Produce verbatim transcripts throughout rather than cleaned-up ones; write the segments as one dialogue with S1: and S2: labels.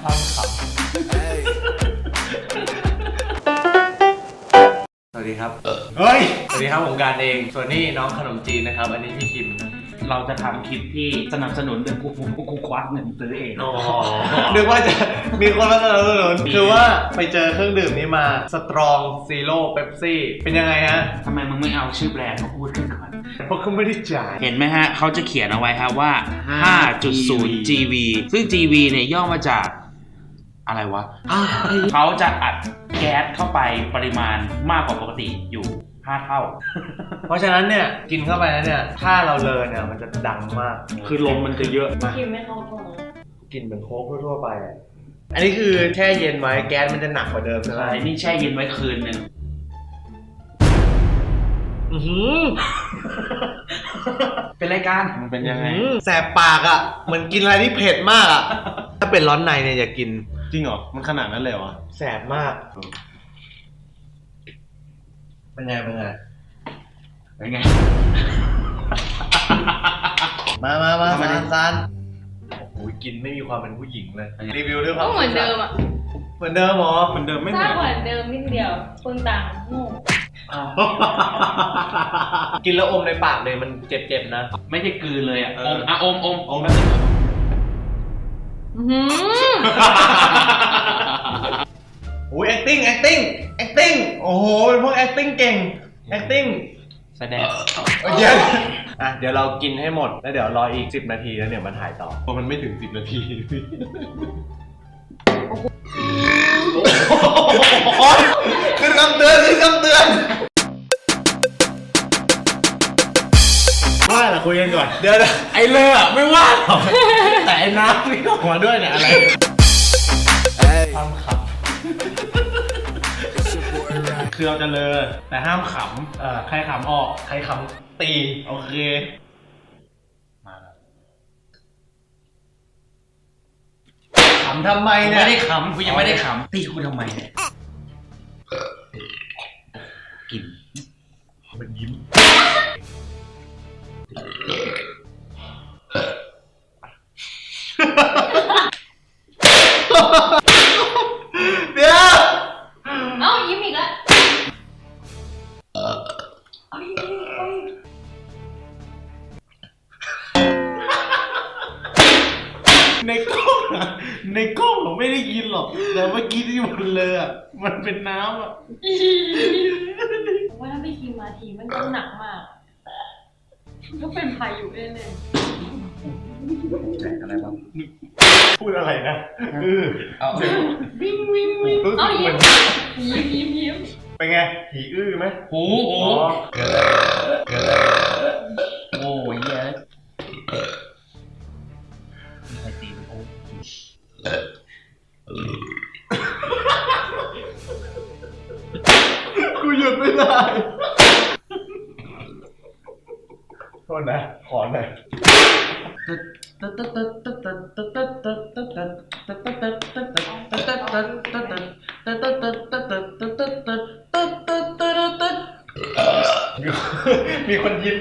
S1: ทำขับสวัสดีครับเฮ้ยสวัสดีครับผมการเองส่วนนี้น้องขนมจีนนะครับอันนี้พี่คิม
S2: เราจะทำคลิปที่สนับสนุนเรื่องกูกูกูควักเงินซื้อเอง
S1: นึกว่าจะมีคนมาสนับสนุนคือว่าไปเจอเครื่องดื่มนี้มาสตรองซีโร่เป๊ปซี่เป็นยังไงฮะ
S2: ทำไมมึงไม่เอาชื่อแบรนด์มาพูดขึ้นก่อน
S1: เพราะเขาไม่ได้จ่าย
S2: เห็นไหมฮะเขาจะเขียนเอาไว้ครับว่า ห้าจุดศูนย์ จี วี ซึ่ง จี วี เนี่ยย่อมาจากอะไรวะเขาจะอัดแก๊สเข้าไปปริมาณมากกว่าปกติอยู่ห้าเท่า
S1: เพราะฉะนั้นเนี่ยกินเข้าไปแล้วเนี่ยถ้าเราเลอเนี่ยมันจะดังมาก
S2: คือลมมันจะเยอะมาก
S3: กินไม่เข้าท้อง
S1: กินเหมือนโค้กทั่วๆไปอันนี้คือแช่เย็นไว้แก๊สมันจะหนักกว่าเดิมใช่ไหม
S2: นี่แช่เย็นไว้คืนนึงเป็นรายการมันเป็นยังไง
S1: แสบปากอ่ะเหมือนกินอะไรที่เผ็ดมากอ่ะถ้าเป็นร้อนในเนี่ยอย่ากิน
S2: จริงเหรอมันขนาดนั้นเลยวะ
S1: แสบมากเป็นไงเป็นไง
S2: เป็นไง
S1: มามามาซานซานโอ้โหกินไม่มีความเป็นผู้หญิงเลยรีวิวด้วยความ
S3: ก็เหมือนเดิมอ่ะ
S1: เหมือนเดิมหรอ
S2: เหมือนเดิมไม่
S3: เหมือนเหมือนเดิมนิดเดียวคนต่างโง่
S1: กินแล้วอมในปากเลยมันเจ็บๆนะ
S2: ไม่ใช่กลืนเลยอ่ะอมอ่ะอมอมอม
S1: โอ้ย acting acting acting โอ้โหเป็นพวก acting เก่ง acting
S2: แสดง
S1: เดี๋ยวอ่ะเดี๋ยวเรากินให้หมดแล้วเดี๋ยวรออีกสิบนาทีแล้วเดี๋ยวมาถ่ายต่อเพราะมันไม่ถึงสิบนาทีขึ้นคำเตือนขึ้นคำเตือนว่าแต่คุยกันก่อนเดี๋ยว
S2: ไอ้เลือไม่ว่า
S1: แต่ไอ้น้ำที่ออกมาด้วยเนี่ยอะไรทำขับ
S2: คือเราจะเลอแต่ห้ามขำเอ่อใครขำออก
S1: ใครขำตี
S2: โอเค
S1: มาแล้วขำทำไมเนี่ย
S2: ไม่ได้ขำกูยังไม่ได้ขำตีกูทำไมเนี่ยกิน
S1: มันยิ้มเดี๋ยว
S3: เอ้ายิ้มอีกแล้วเอายิ้มอีกเอาอีก
S2: ในกล้องอะในกล้องผมไม่ได้ยินหรอกแต่เมื่อกี้ที่มันเลยอะมันเป็นน้ำอะ
S3: ว่าถ้าไม่ทีมาทีมันก็หนักมากก็เป็นพายุแน่ๆ
S1: แจกอะไรบ้างพูดอะไรนะเออ
S2: เอาวิ่งวิ่งวิ่ง
S3: เอายิ้มยิ้มยิ้มยิ้ม
S1: เป็นไงผีอื้อไหม
S2: หูหูโอ้ยเยอะใครตีมันโอ้
S1: กูหยุดไม่ได้โทษนะขอหน่อยมีคนยิ้ม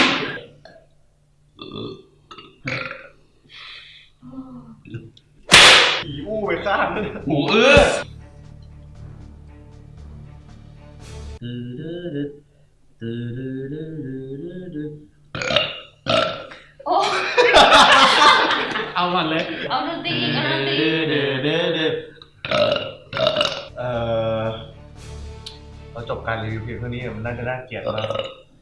S1: ผีอู้ไปข้างเลย
S2: หูเอื้อ
S3: โอ้
S2: เอามันเลย
S3: เอาดนตรีอีกเอาดนตรี
S1: เออเราจบการรีวิวเพียงเท่านี้มันน่าจะน่าเกลียดมาก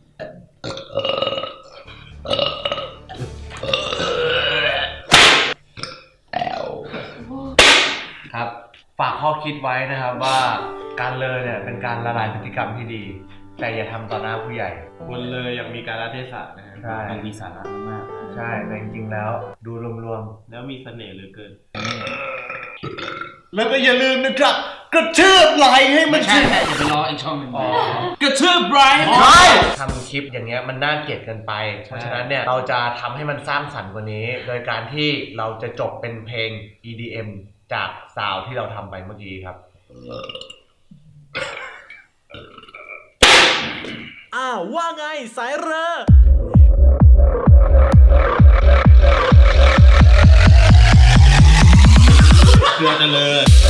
S1: ครับฝากข้อคิดไว้นะครับว่าการเลอเนี่ยเป็นการละลายพฤติกรรมที่ดีแต่อย่าทำต่อหน้าผู้ใหญ่
S2: คนเลยอย่างมีการละเทศะนะฮะมันมีสาระมาก
S1: ใช่แต่จริงๆแล้วดูรวม
S2: ๆแล้วมีเสน่ห์เหลือเกิน
S1: แล้วก็อย่าลืมนะครับกระทืบไลค์ให้มัน
S2: ใช่ใช่อย่าไปรออีกช่องหนึ่งกระทืบไลค์
S1: ใช่ทำคลิปอย่างเงี้ยมันน่าเกลียดเกินไปเพราะฉะนั้นเนี่ยเราจะทำให้มันสร้างสรรค์กว่านี้โดยการที่เราจะจบเป็นเพลง อี ดี เอ็ม จากซาวด์ที่เราทำไปเมื่อกี้ครับอ้าวว่าไงสายเรือ
S4: เครือเจริญ